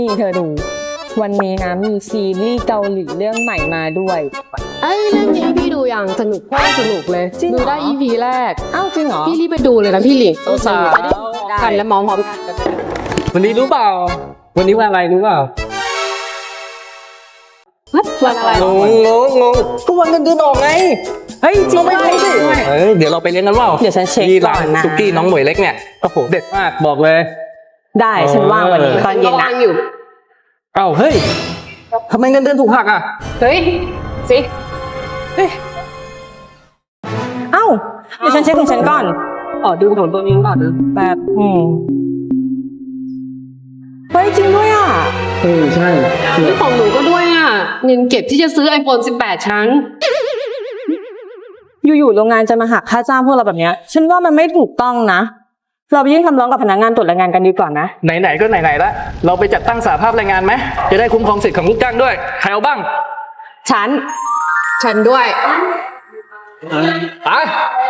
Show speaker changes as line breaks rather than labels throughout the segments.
เธอดูวันนี้นะมีซีรีส์เกาหลีเรื่องใหม่มาด้วย
เรื่องนี้พี่ดูอย่างสนุกโคตรสนุกเลยดูได้ EP แรก
อ้าวจริงเหรอ
พี่รีบไปดูเลยนะพี่หลิง
สาว
กันและมองพร้อมกัน
วันนี้รู้เปล่าวันนี้วันอะไรรู้เปล่า
วันอะไร
งก็วันเงินเดือนออกไง
เฮ้ยจริงไหม
เดี๋ยวเราไปเลี้ยงกันว่า
เดี๋ยวฉันเช็คก่อนนะ
ซุกี้น้องหมวยเล็กเนี่ยโอ้โหเด็ดมากบอกเลย
ได้ฉันว่างวันนี้ตอนเย็นนะ
อยู่
เอ้าเฮ้ยทำไมเงินเดือนถูกหักอ่ะ
เฮ้ยสิ
เอ้าเดี๋ยวฉันเช็คของฉันก่อน
ดูของตัวเองก่อนนะ
แบบเฮ้ยจริงด้วยอ่ะ
ใช่
ของหนูก็ด้วยอ่ะเงินเก็บที่จะซื้อ iPhone 18ชั้น
อยู่ๆโรงงานจะมาหักค่าจ้างพวกเราแบบเนี้ยฉันว่ามันไม่ถูกต้องนะเราไปยื่นคำร้องกับพนักงานตรวจแรงงานกันดีกว่านะ
ไหนๆก็ไหนๆละเราไปจัดตั้งสหภาพแรงงานไหมจะได้คุ้มครองสิทธิ์ของลูกจ้างด้วยใครเอาบ้าง
ฉันด้วย
ไป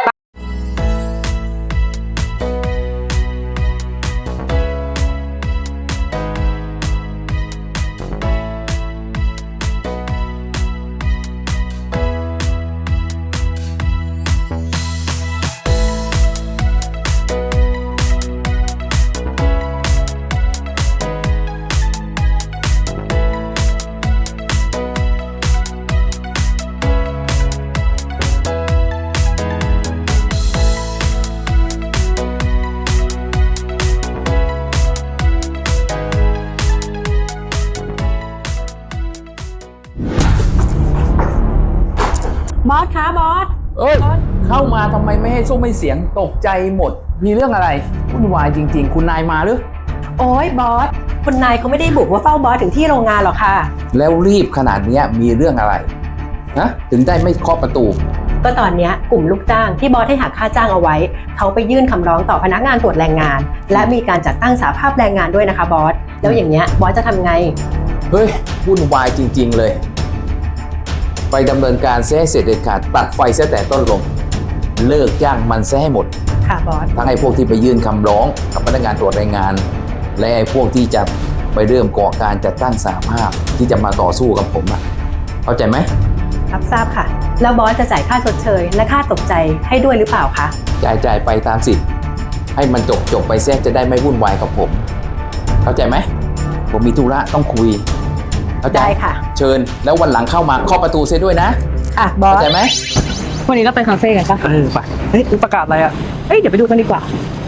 บอสคะบอส
เข้ามาทำไมไม่ให้ซุ้มไม่เสียงตกใจหมดมีเรื่องอะไรวุ่นวายจริงๆคุณนายมาหรือ
โอ้ยบอสคุณนายเขาไม่ได้บุกว่าเฝ้าบอสถึงที่โรงงานหรอกค่ะ
แล้วรีบขนาดนี้มีเรื่องอะไรนะถึงได้ไม่เคาะประตู
ก็ตอนนี้กลุ่มลูกจ้างที่บอสให้หักค่าจ้างเอาไว้เขาไปยื่นคำร้องต่อพนักงานตรวจแรงงานและมีการจัดตั้งสหภาพแรงงานด้วยนะคะบอสแล้วอย่างเงี้ยบอสจะทำไง
เฮ้ยวุ่นวายจริงๆเลยไปดำเนินการเสียให้เสร็จเด็ดขาดตัดไฟเสียแต่ต้นลมเลิกจ้างมันเสียให้หมด
ค่ะบอส
ทั้งไอ้พวกที่ไปยื่นคำร้องกับพนักงานตรวจแรงงานและไอ้พวกที่จะไปเริ่มก่อการจัดตั้งสหภาพที่จะมาต่อสู้กับผมอ่ะเข้าใจไหม
รับทราบค่ะแล้วบอสจะจ่ายค่าชดเชยและค่าตกใจให้ด้วยหรือเปล่าคะ
จ่ายไปตามสิทธิ์ให้มันจบไปเสียจะได้ไม่วุ่นวายกับผมเข้าใจไหมผมมีธุระต้องคุย
ได้ค่ะ
เชิญแล้ววันหลังเข้ามาเคาะประตูเสียด้วยนะ
ค่ะบอส
เข้าใจไหม
วันนี้เราไปคาเฟ่กันปะ
ไปประกาศอะไรอ่ะ
เดี๋ยวไปดูกันดีกว่า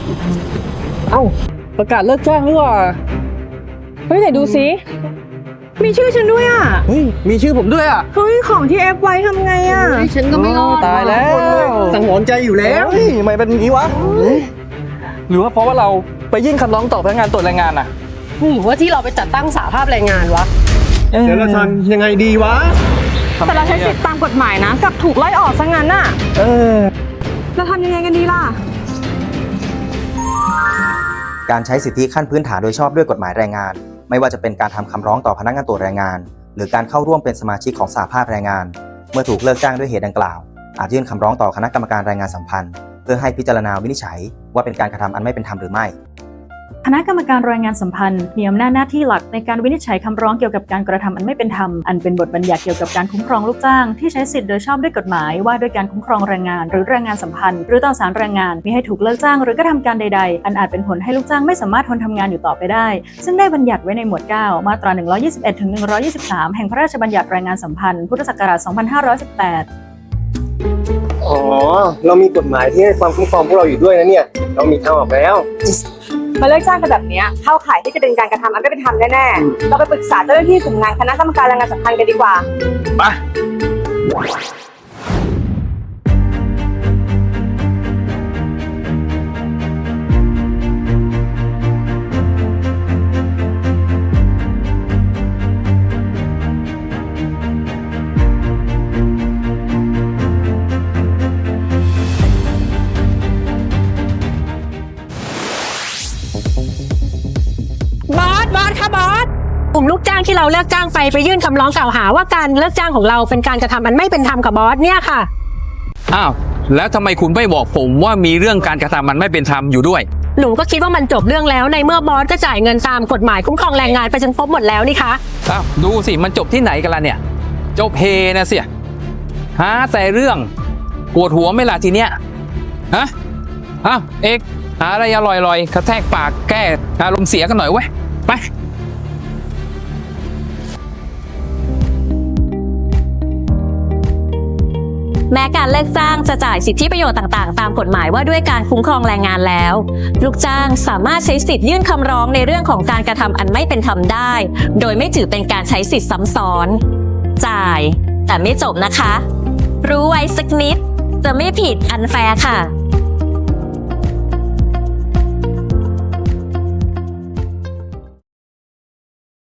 ประกาศเลิกจ้างหรือว่า
ไหนดูซิมีชื่อฉันด้วยอ่ะ
มีชื่อผมด้วยอ่ะ
ของที่เอฟไว้ทำไงอ่ะ
ฉันก็ไม่รอด
ตายแล้วสังหรณ์ใจอยู่แล้วทำไมเป็นอย่างนี้วะหรือว่าเพราะว่าเราไปยื่นคำร้องต่อพนักงานตรวจแรงงานอ่ะ
หรือว่าที่เราไปจัดตั้งสหภาพแรงงานวะ
เดี๋ยวเราทำยังไงดีวะ
แต่เราใช้สิทธิตามกฎหมายนะกับถูกไล่ออกซะงั้นน่ะเราทำยังไงกันดีล่ะ
การใช้สิทธิขั้นพื้นฐานโดยชอบด้วยกฎหมายแรงงานไม่ว่าจะเป็นการทำคำร้องต่อพนักงานตรวจแรงงานหรือการเข้าร่วมเป็นสมาชิกของสหภาพแรงงานเมื่อถูกเลิกจ้างด้วยเหตุดังกล่าวอาจยื่นคำร้องต่อคณะกรรมการแรงงานสัมพันธ์เพื่อให้พิจารณาวินิจฉัยว่าเป็นการกระทำอันไม่เป็นธรรมหรือไม่
คณะกรรมการแรงงานสัมพันธ์มีอำนาจหน้าที่หลักในการวินิจฉัยคำร้องเกี่ยวกับการกระทำอันไม่เป็นธรรมอันเป็นบทบัญญัติเกี่ยวกับการคุ้มครองลูกจ้างที่ใช้สิทธิโดยชอบด้วยกฎหมายว่าด้วยการคุ้มครองแรงงานหรือแรงงานสัมพันธ์หรือต่อศาลแรงงานมิให้ถูกเลิกจ้างหรือกระทำการใดๆอันอาจเป็นผลให้ลูกจ้างไม่สามารถทนทำงานอยู่ต่อไปได้ซึ่งได้บัญญัติไว้ในหมวด 9 มาตรา 121 ถึง 123 แห่งพระราชบัญญัติแรงงานสัมพันธ์พุทธศักราช 2518
เรามีกฎหมายที่ให้ความคุ้มครองพวกเราอยู่ด้วยนะเนี่ยเรามีทางออกแล้ว
มาเลิกจ้างกันแบบนี้เข้าข่ายที่จะเป็นการกระทำอันไม่เป็นธรรมแน่ๆเราไปปรึกษาเจ้าหน้าที่กลุ่มงานคณะกรรมการแรงงานสัมพันธ์กันดีกว่า
ไป
บอสค่ะบอสกลุ่มลูกจ้างที่เราเลิกจ้างไปยื่นคำร้องกล่าวหาว่าการเลิกจ้างของเราเป็นการกระทำอันไม่เป็นธรรมกับบอสเนี่ยค่ะ
อ้าวแล้วทำไมคุณไม่บอกผมว่ามีเรื่องการกระทำมันไม่เป็นธรรมอยู่ด้วย
หนูก็คิดว่ามันจบเรื่องแล้วในเมื่อบอสก็จ่ายเงินตามกฎหมายคุ้มครองแรงงานไปจนครบหมดแล้วนี่คะ
อ้าวดูสิมันจบที่ไหนกันล่ะเนี่ยจบเฮนะเสียหาแต่เรื่องปวดหัวไหม่ล่ะทีเนี้ยฮะอ้าวเอกหาอะไรอร่อยๆกระแทกปากแก้อารมณ์เสียกันหน่อยเว้ยไป
แม้การเลิกจ้างจะจ่ายสิทธิประโยชน์ต่างๆตามกฎหมายว่าด้วยการคุ้มครองแรงงานแล้วลูกจ้างสามารถใช้สิทธิ์ยื่นคำร้องในเรื่องของการกระทำอันไม่เป็นธรรมได้โดยไม่ถือเป็นการใช้สิทธิ์ซ้ำซ้อนจ่ายแต่ไม่จบนะคะรู้ไว้สักนิดจะไม่ผิดอันแฟร์ค่ะ